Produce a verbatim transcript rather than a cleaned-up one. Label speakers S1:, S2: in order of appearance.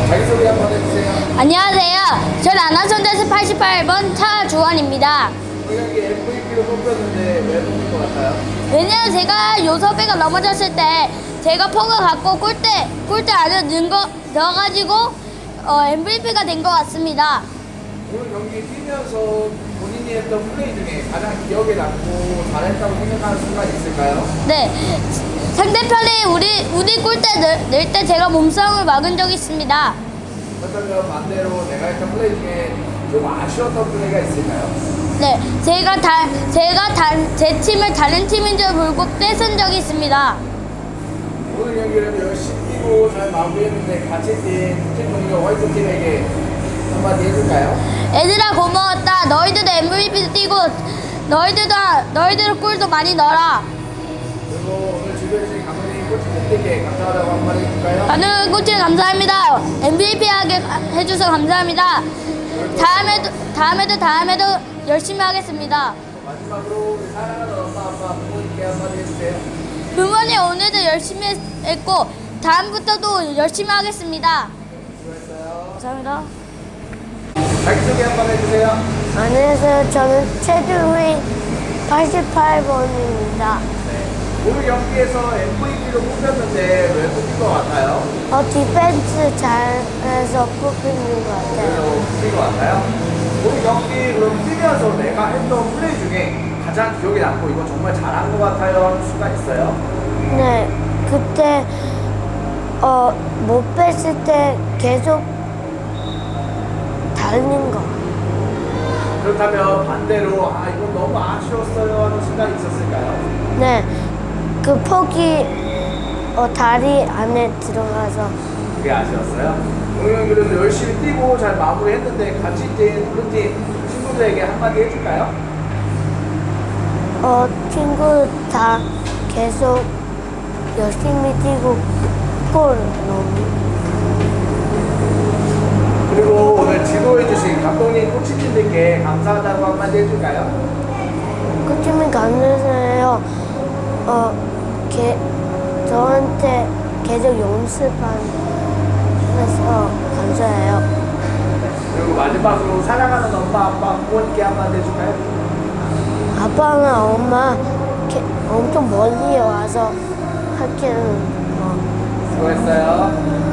S1: 자기소개 한번 해주세요.
S2: 안녕하세요. 전 안화선대에서 팔십팔 번 차주원입니다.
S1: 우리 경기 엠브이피로 뽑혔는데 왜 뽑힌 것 같아요?
S2: 왜냐면 제가 요섭이가 넘어졌을 때 제가 퍽을 갖고 골대 골대 안에 넣은 거 넣어가지고 어, 엠브이피가 된 것 같습니다.
S1: 오늘 경기 뛰면서 본인이 했던 플레이 중에 가장 기억에 남고 잘했다고 생각하는 순간 있을까요?
S2: 네, 상대편이 우리 우리 골대 넣을 때 제가 몸싸움을 막은 적이 있습니다.
S1: 그렇다면 반대로 내가 했던 플레이 중에 좀 아쉬웠던 플레이가 있을까요?
S2: 네, 제가 다 제가 다, 제 팀을 다른 팀인 줄 모르고 뺏은 적이 있습니다.
S1: 오늘 경기를 열심히 뛰고 잘 마무리했는데 같이 뛴팀 동료 화이트팀에게 한마디 해줄까요?
S2: 얘들아 고마웠다. 너희들도 엠브이피도 뛰고 너희들도 너희들 골도 많이 넣어라.
S1: 그리고 오늘 주변에 감독님 코치님들께 감사하다고 한마디 해줄까요?
S2: 가는 코치 감사합니다. 엠브이피 하게 해줘서 감사합니다. 다음에도 다음에도 다음에도 열심히 하겠습니다.
S1: 마지막으로 우리 사랑하는 엄마 아빠 부모님께 한마디 해주세요.
S2: 부모님 오늘도 열심히 했- 했고 다음부터도 열심히 하겠습니다.
S1: 수고했어요.
S2: 감사합니다.
S1: 자기소개 한번 해주세요.
S3: 안녕하세요. 저는 최두휘 팔십팔 번입니다.
S1: 오늘 경기에서 엠브이피로 뽑혔는데 왜 뽑힌 것 같아요?
S3: 어, 디펜스 잘해서 뽑히는 것 같아요.
S1: 그래서 뽑힌 것 같아요? 오늘 경기 그럼 뛰면서 내가 했던 플레이 중에 가장 기억에 남고 이거 정말 잘한 것 같아요 하는 순간 있어요?
S3: 네, 그때 어, 못 뺐을 때 계속 달린 거.
S1: 그렇다면 반대로 아 이건 너무 아쉬웠어요 하는 순간이 있었을까요?
S3: 네, 그 폭이 어, 다리 안에 들어가서
S1: 그게 아쉬웠어요? 오늘 경기를 열심히 뛰고 잘 마무리했는데 같이 뛴 블루팀 친구들에게 한마디 해줄까요?
S3: 어, 친구 다 계속 열심히 뛰고 골 넣는.
S1: 그리고 오늘 지도해주신 감독님 코치님들께 감사하다고 한마디 해줄까요?
S3: 코치님 감사해요. 어, 게, 저한테 계속 연습하면서 감사해요.
S1: 그리고 마지막으로 사랑하는 엄마 아빠 부모님께 한마디 해줄까요?
S3: 아빠나 엄마 게, 엄청 멀리 와서 학교는 뭐
S1: 수고했어요.